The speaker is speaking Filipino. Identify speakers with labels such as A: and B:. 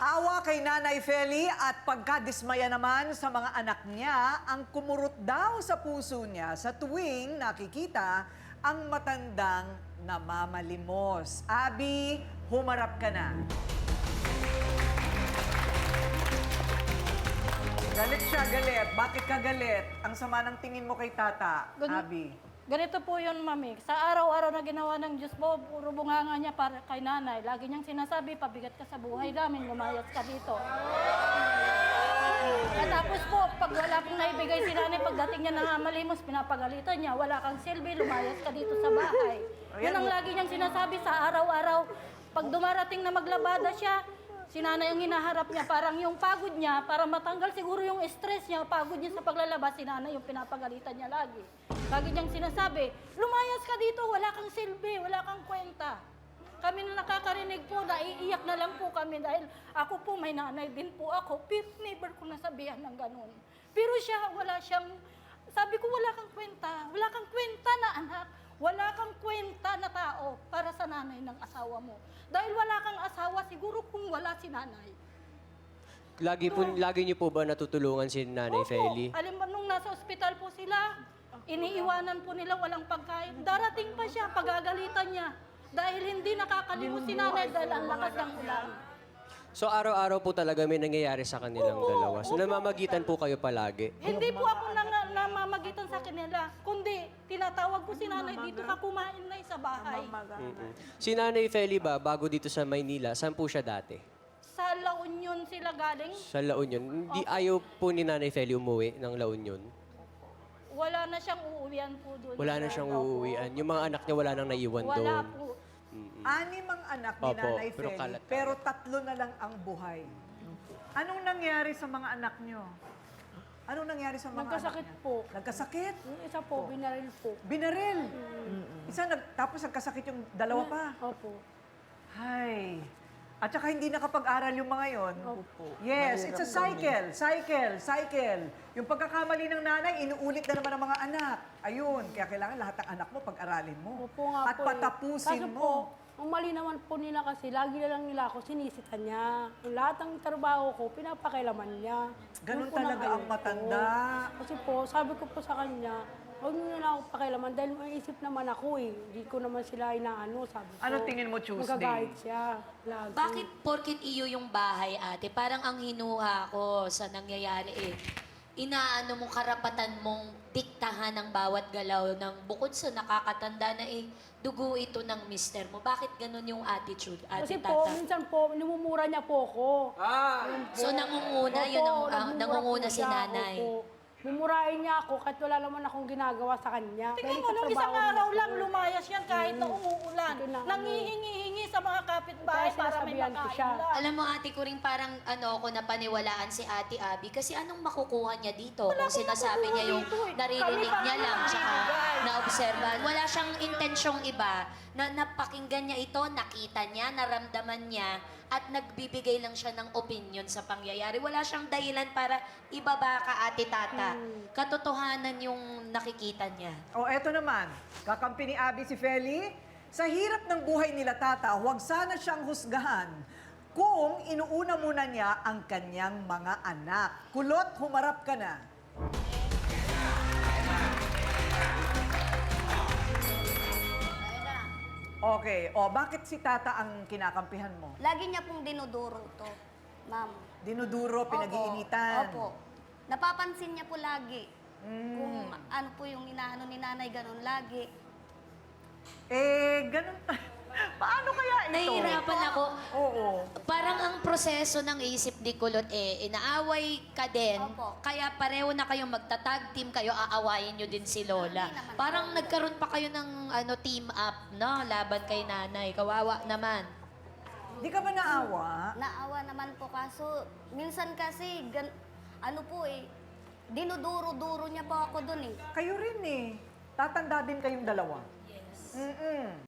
A: Awa kay Nanay Feli at pagkadismaya naman sa mga anak niya ang kumurot daw sa puso niya sa tuwing nakikita ang matandang namamalimos. Abby, humarap ka na. Galit siya, galit. Bakit ka galit? Ang sama ng tingin mo kay Tata, Abby.
B: Ganito po yun, Mami. Sa araw-araw na ginawa ng Diyos mo, puro bunganga niya para kay nanay. Lagi niyang sinasabi, pabigat ka sa buhay namin, lumayas ka dito. At tapos po, pag wala pong naibigay si nanay, pagdating niya ng malimos, pinapagalitan niya, wala kang silbi, lumayas ka dito sa bahay. Yan ang lagi niyang sinasabi sa araw-araw. Pag dumarating na maglabada siya, si nanay ang hinaharap niya, parang yung pagod niya, para matanggal siguro yung stress niya, pagod niya sa paglalabas, si nanay yung pinapagalitan niya lagi. Lagi niyang sinasabi, lumayas ka dito, wala kang silbi, wala kang kwenta. Kami na nakakarinig po, naiiyak na lang po kami dahil ako po, may nanay din po ako, pero never ko nasabihan ng ganun. Pero siya, wala siyang, sabi ko, wala kang kwenta na anak, wala kang kwenta na tao para sa nanay ng asawa mo. Dahil wala kang asawa, siguro kung wala si nanay.
C: Lagi niyo po ba natutulungan si Nanay Feli?
B: Alam mo, nung nasa ospital po sila, iniiwanan po nila walang pagkain. Darating pa siya, pagagalitan niya. Dahil hindi nakakalimos si nanay dahil ang lakas ng ulan.
C: So araw-araw po talaga may nangyayari sa kanilang dalawa. So namamagitan po kayo palagi?
B: Hindi po ako namamagitan sa kanila, kundi tinatawag ko si nanay dito ka kumain na sa bahay.
C: Si Nanay Feli ba, bago dito sa Maynila, saan po siya dati?
B: Sa La Union sila galing.
C: Sa La Union. Hindi ayaw po ni Nanay Feli umuwi ng La Union?
B: Wala na siyang uuwian po doon.
C: Wala na siyang uuwian. Yung mga anak niya wala nang naiwan doon.
B: Wala po.
A: Anim ang anak ni
C: Opo,
A: Nanay
C: pero
A: Feli,
C: kalat-kalat.
A: pero 3 na lang ang buhay. Anong nangyari sa mga anak niyo? Anong nangyari sa mga
D: Nagkasakit
A: anak niya?
D: po.
A: Nagkasakit?
D: Yung isa po, binaril po.
A: Binaril? Tapos nagkasakit yung dalawa pa?
D: Opo.
A: Hay. At saka hindi nakapag-aral yung mga yon.
D: Opo.
A: Yes, it's a cycle. Yung pagkakamali ng nanay, inuulit na naman ng mga anak. Ayun, kaya kailangan lahat ng anak mo pag-aralin mo.
D: Opo nga
A: At
D: po
A: patapusin
D: Kaso
A: mo.
D: po, ang mali naman po nila kasi, lagi na lang nila ako sinisitan niya. Yung lahat ng trabaho ko, pinapakailaman niya.
A: Ganun
D: Yun po
A: talaga ang
D: ayaw ko.
A: matanda.
D: Kasi po, sabi ko po sa kanya, huwag niyo na ako pakialaman dahil may isip naman ako eh. Hindi ko naman sila inaano, sabi ko.
A: Ano tingin mo, Tuesday?
D: Magagahit siya. Lagi.
E: Bakit porkit iyo yung bahay, ate? Parang ang hinuha ko sa nangyayari eh. Inaano mong karapatan mong diktahan ang bawat galaw ng bukod sa nakakatanda na eh, dugo ito ng mister mo. Bakit ganun yung attitude,
D: Kasi
E: ate
D: po,
E: Tata?
D: minsan po, nimumura niya po ako.
E: So nangunguna, yun ang nangunguna
D: po
E: si
D: siya,
E: nanay.
D: opo. Mumurahin niya ako kahit wala naman akong ginagawa sa kanya.
B: Tingnan
D: Dahil
B: mo,
D: sa
B: nung
D: trabaho
B: isang araw
D: niya.
B: lang lumayas yan kahit na umuulan.
D: Ito na, ano.
B: Nangihingi-hingi sa mga kapitbahay
D: Kaya
B: para may
D: sinasabihan ko
B: makain
D: siya.
B: lang.
E: Alam mo, ate ko rin parang ako napaniwalaan si Ate Abby kasi anong makukuha niya dito kung sinasabi niya yung
B: dito eh.
E: naririnig
B: Kami
E: niya
B: pa
E: lang
B: ang
E: tsaka
B: bibigay.
E: naobserbahan. Wala siyang intensyong iba na napakinggan niya ito, nakita niya, naramdaman niya at nagbibigay lang siya ng opinion sa pangyayari. Wala siyang dahilan para ibaba ka, Ate Tata. Katotohanan yung nakikita niya.
A: O, eto naman. Kakampi ni Abby si Feli. Sa hirap ng buhay nila, Tata, huwag sana siyang husgahan kung inuuna muna niya ang kanyang mga anak. Kulot, humarap ka na. Okay. O, bakit si Tata ang kinakampihan mo?
F: Lagi niya pong dinuduro to, ma'am.
A: Dinuduro,
F: Opo.
A: pinag-iinitan.
F: Opo. Napapansin niya po lagi. Kung ano po yung inaano ni nanay, ganun lagi.
A: Ganun. Paano kaya ito?
E: Nahihirapan ako.
A: Oo.
E: Parang ang proseso ng isip ni Kulot inaaway ka din.
F: Opo.
E: Kaya pareho na kayong magtatag team kayo, aawayin nyo din si Lola.
F: Hindi naman.
E: Parang nagkaroon pa kayo ng team up, no? Laban kay nanay. Kawawa naman.
A: Di ka ba naawa?
F: Naawa naman po kaso, minsan kasi, ano po dinuduro-duro niya po ako dun eh.
A: Kayo rin eh. Tatanda din kayong dalawa. Yes.